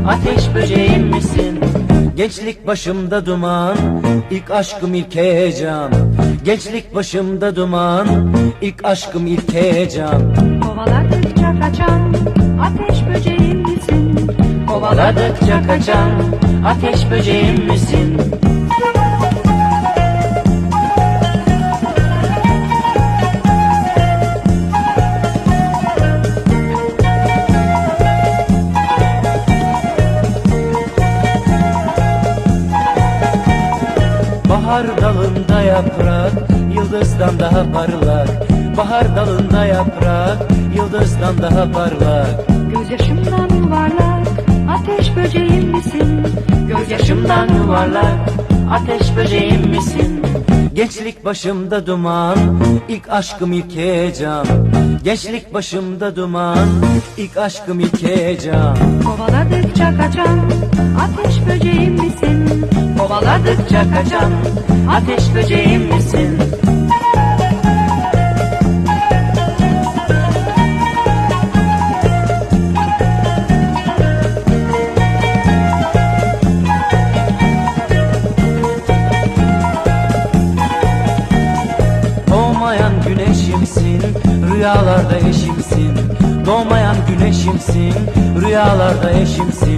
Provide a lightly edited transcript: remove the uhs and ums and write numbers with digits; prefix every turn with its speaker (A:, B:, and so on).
A: ateş böceğim misin? Gençlik başımda duman, ilk aşkım ilk heyecan. Gençlik başımda duman, ilk aşkım ilk heyecan.
B: Kovaladıkça kaçan ateş böceğim misin?
A: Kovaladıkça kaçan ateş böceğim misin? Bahar dalında yaprak, yıldızdan daha parlak. Bahar dalında yaprak, yıldızdan daha parlak.
B: Gözyaşımdan yuvarlak ateş böceğim misin?
A: Gözyaşımdan yuvarlak, ateş böceğim misin? Gençlik başımda duman, ilk aşkım ilk heyecan. Gençlik başımda duman, ilk aşkım ilk heyecan.
B: Kovaladıkça kaçan ateş böceğim misin?
A: Kovaladıkça kaçan ateş böceğim misin? Doğmayan güneşimsin, rüyalarda eşimsin. Doğmayan güneşimsin, rüyalarda eşimsin.